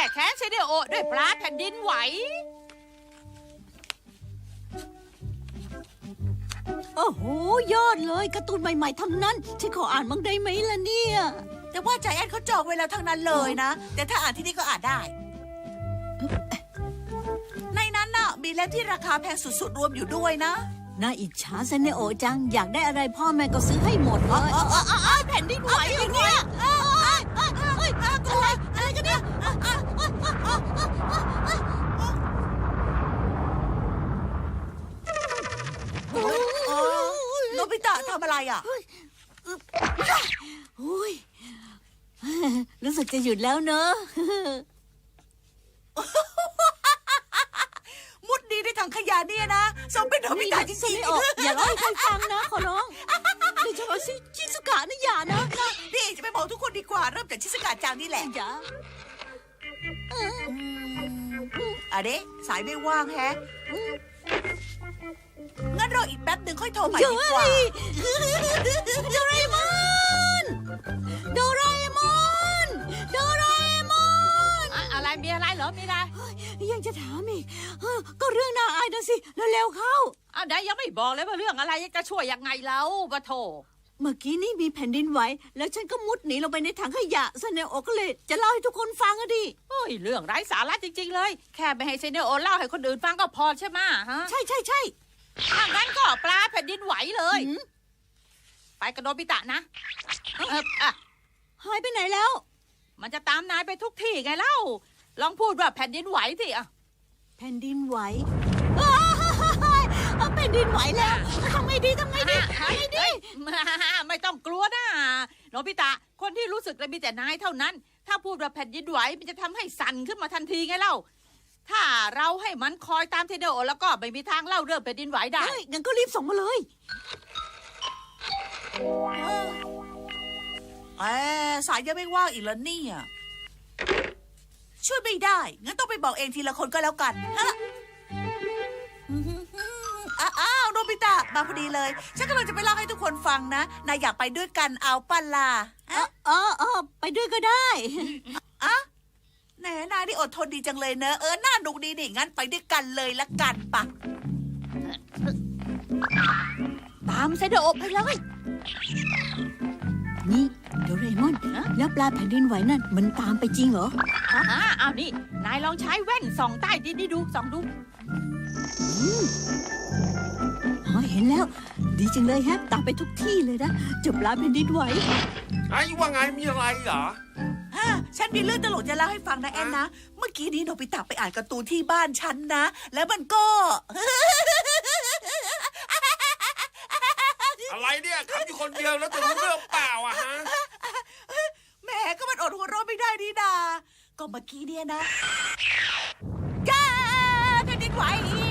แค้นเซเนโอด้วยปลาแผ่นดินไหวโอ้โหยอดเลยการ์ตูนใหม่ๆทั้งนั้นฉันขออ่านบ้างได้ไหมล่ะเนี่ยแต่ว่าใจแอนเขาจองไว้แล้วทั้งนั้นเลยนะ แต่ถ้าอ่านที่นี่ก็อ่านได้ ในนั้นน่ะมีเล่มที่ราคาแพงสุดๆรวมอยู่ด้วยนะน่าอิจฉาเซเนโอจังอยากได้อะไรพ่อแม่ก็ซื้อให้หมดเลยแผ่นดินไหวเหรอเนี่ยอะไรกันเนี่ยโนบิตะทำอะไรอ่ะอุ้ยรู้สึกจะหยุดแล้วเนอะมุดดีในถังขยะเนี่ยนะสมเป็นโนบิตะจริงๆอย่าเล่าให้ใครฟังนะขอร้องโดยเฉพาะชิซุกะนะอย่านะนี่จะไปบอกทุกคนดีกว่าเริ่มจากชิสกาจังนี่แหละอย่าอะเดะสายไม่ว่างแฮะงั้นรออีกแป๊บหนึ่งค่อยโทรใหม่ดีกว่าโดราเอมอนโดราเอมอนโดราเอมอนอะไรมีอะไรเหรอมีอะไรยังจะถามอีกก็เรื่องน่าอายนะสิเร็วๆเข้าเอาได้ยังไม่บอกเลยว่าเรื่องอะไรจะช่วยยังไงแล้วปะโถเมื่อกี้นี่มีแผ่นดินไหวแล้วฉันก็มุดหนีลงไปในถังขยะเซเนโอก็เลยจะเล่าให้ทุกคนฟังอะดิเฮ้ยเรื่องไร้สาระจริงๆเลยแค่ไม่ให้เซเนโอเล่าให้คนอื่นฟังก็พอใช่ไหมฮะใช่ถ้างั้นก็ปลาแผ่นดินไหวเลยหืมไปกับโนบิตะนะอ่ะหายไปไหนแล้วมันจะตามนายไปทุกที่ไงเล่าลองพูดว่าแผ่นดินไหวสิอ่ะแผ่นดินไหวอ้าวแผ่นดินไหวแล้วทำไงดีไม่ต้องกลัวนะโนบิตะคนที่รู้สึกเลยมีแต่นายเท่านั้น ถ้าพูดว่าแผ่นดินไหวมันจะทำให้สั่นขึ้นมาทันทีไงเล่าถ้าเราให้มันคอยตามเทเดโอแล้วก็ไม่มีทางเล่าเรื่องแผ่นดินไหวได้งั้นก็รีบส่งมาเลยสายยังไม่ว่างอีกแล้วเนี่ยช่วยไม่ได้งั้นต้องไปบอกเองทีละคนก็แล้วกันฮะอ้าวโนบิตะมาพอดีเลยฉันกำลังจะไปเล่าให้ทุกคนฟังนะนายอยากไปด้วยกันเอาปั้นล่ะไปด้วยก็ได้อะแหนนายนี่อดทนดีจังเลยเนอะน่าหนุกดีนี่งั้นไปด้วยกันเลยละกันปะตามเซเดโอไปเลยนี่โดราเอมอนแล้วปลาแผ่นดินไหวนั่นมันตามไปจริงเหรออ้าวนี่นายลองใช้แว่นส่องใต้ดินนี่ดูส่องดูเห็นแล้ว ดีจังเลยฮะตามไปทุกที่เลยนะเจับปลาแผ่นดินไหวไอ้ว่าไงมีอะไรเหรอฉันมีเรื่องตลกจะเล่าให้ฟังนะแอนนะเมื่อกี้นี้โนบิตะไปอ่านการ์ตูนที่บ้านฉันนะ แล้วมันก็อะไรเนี่ยทำอยู่คนเดียวแล้วจะรู้เรื่องเปล่าอะฮะแหมก็มันอดหัวเราะไม่ได้นี่นาก็เมื่อกี้เนี่ยนะจ้าแผ่นดินไหว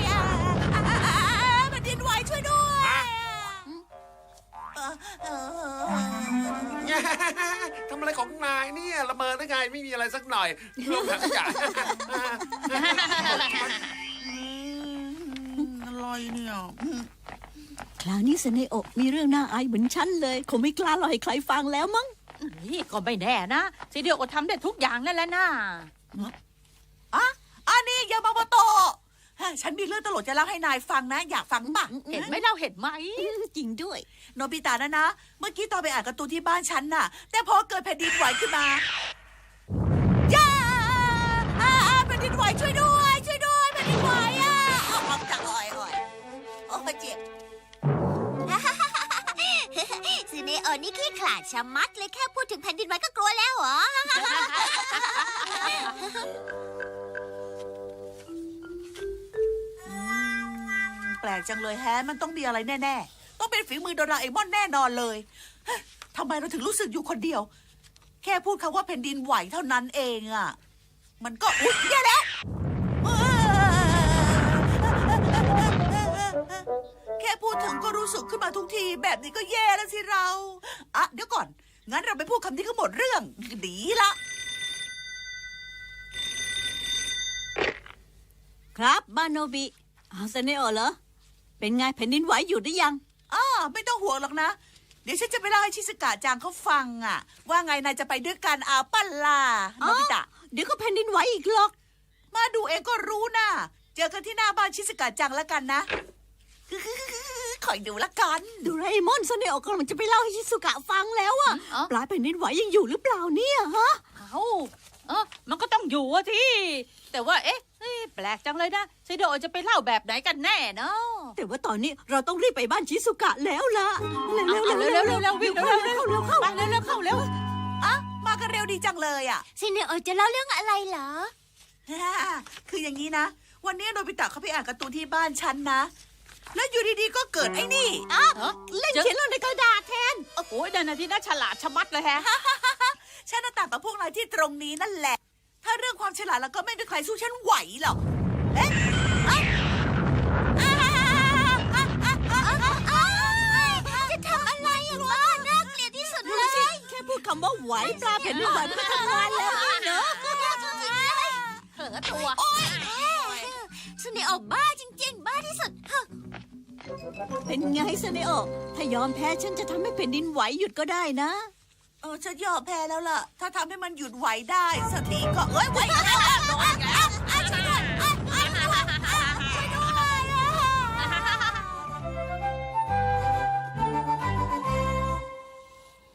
แผ่นดินไหวช่วยด้วยทำอะไรของนายเนี่ยระเบิดได้ไงไม่มีอะไรสักหน่อยเรื่องถังขยะอะไรเนี่ยคราวนี้เซเนโอมีเรื่องน่าอายเหมือนฉันเลยคงไม่กล้าเล่าให้ใครฟังแล้วมั้งนี่ก็ไม่แน่นะเซเดโอทำได้ทุกอย่างนั่นแหละนะอันนี้ยามาโมโตะฉันมีเรื่องตลกจะเล่าให้นายฟังนะ อยากฟังป่ะเห็นไหมเราเห็นไหมจริงด้วยโนบิตะนะเมื่อกี้ตอนไปอ่านการ์ตูนที่บ้านฉันน่ะ แต่พอเกิดแผ่นดินไหวขึ้นมาย่าแผ่นดินไหวช่วยด้วยแผ่นดินไหวออกจากอ้อยโอ้เจ็บซีเนโอนี่ขี้ขลาดชะมัดเลยแค่พูดถึงแผ่นดินไหวก็กลัวแล้วเหรอแปลกจังเลยแฮะมันต้องมีอะไรแน่ๆต้องเป็นฝีมือโดราเอมอนแน่นอนเลยเฮ้ยทำไมเราถึงรู้สึกอยู่คนเดียว แค่พูดคำว่าแผ่นดินไหวเท่านั้นเองอ่ะมันก็อุ๊ยแย่แล้วแค่พูดถึงก็รู้สึกขึ้นมาทุกทีแบบนี้ก็แย่แล้วสิเราเดี๋ยวก่อนงั้นเราไปพูดคำนี้ก็หมดเรื่องดีละครับบ้านโนบิเซเนโอเหรอเป็นไงแผ่นดินไหวหยุดหรือยังไม่ต้องห่วงหรอกนะ เดี๋ยวฉันจะไปเล่าให้ชิสกะจางเขาฟังว่าไงนายจะไปด้วยกันปั้นล่ะโนบิตะเดี๋ยวก็แผ่นดินไหวอีกหรอกมาดูเองก็รู้นะเจอกันที่หน้าบ้านชิสกะจังแล้วกันนะ คอยดูละกันโดราเอมอนซันเนโอกำลังจะไปเล่าให้ชิสุกะฟังแล้วอะอ๋อปลายแผ่นดินไหวยังอยู่หรือเปล่าเนี่ยฮะมันก็ต้องอยู่อะที่แต่ว่าเอ๊ะแปลกจังเลยนะไซโดะจะไปเล่าแบบไหนกันแน่เนาะแต่ว่าตอนนี้เราต้องรีบไปบ้านชิสุกะแล้วล่ะเร็วเอาๆเร็วๆเร็วๆวิ่งเร็วๆเข้าเร็วเข้าไปเร็วๆเข้าเร็วมากันเร็วดีจังเลยอ่ะซินเนโอจะเล่าเรื่องอะไรเหรอคืออย่างนี้นะ วันนี้โนบิตะเขาไปอ่านการ์ตูนที่บ้านฉันนะ แล้วอยู่ดีๆก็เกิดไอ้นี่เล่นเขียนลงในกระดาษแทนโอ้โหนั่นน่ะที่น่าฉลาดชะมัดเลยแฮะฉันน่ะต่างกับพวกนายที่ตรงนี้นั่นแหละ ถ้าเรื่องความฉลาดแล้วก็ไม่มีใครสู้ฉันไหวหรอก เอ๊ะจะทำอะไรอ่ะบ้าน่าเกลียดที่สุดดูเลสิยแค่พูดคำว่าไหวปลาแผ่นดินไหวมันก็ทำงานแล้วนี่เนอะเผลอตัวซินเนโอบ้าจริงๆ บ้าที่สุดเป็นไงซันเนโอถ้ายอมแพ้ฉันจะทำให้แผ่นดินไหวหยุดก็ได้นะฉันยอมแพ้แล้วล่ะ ถ้าทำให้มันหยุดไหวได้สักทีก็เอ้ยไหว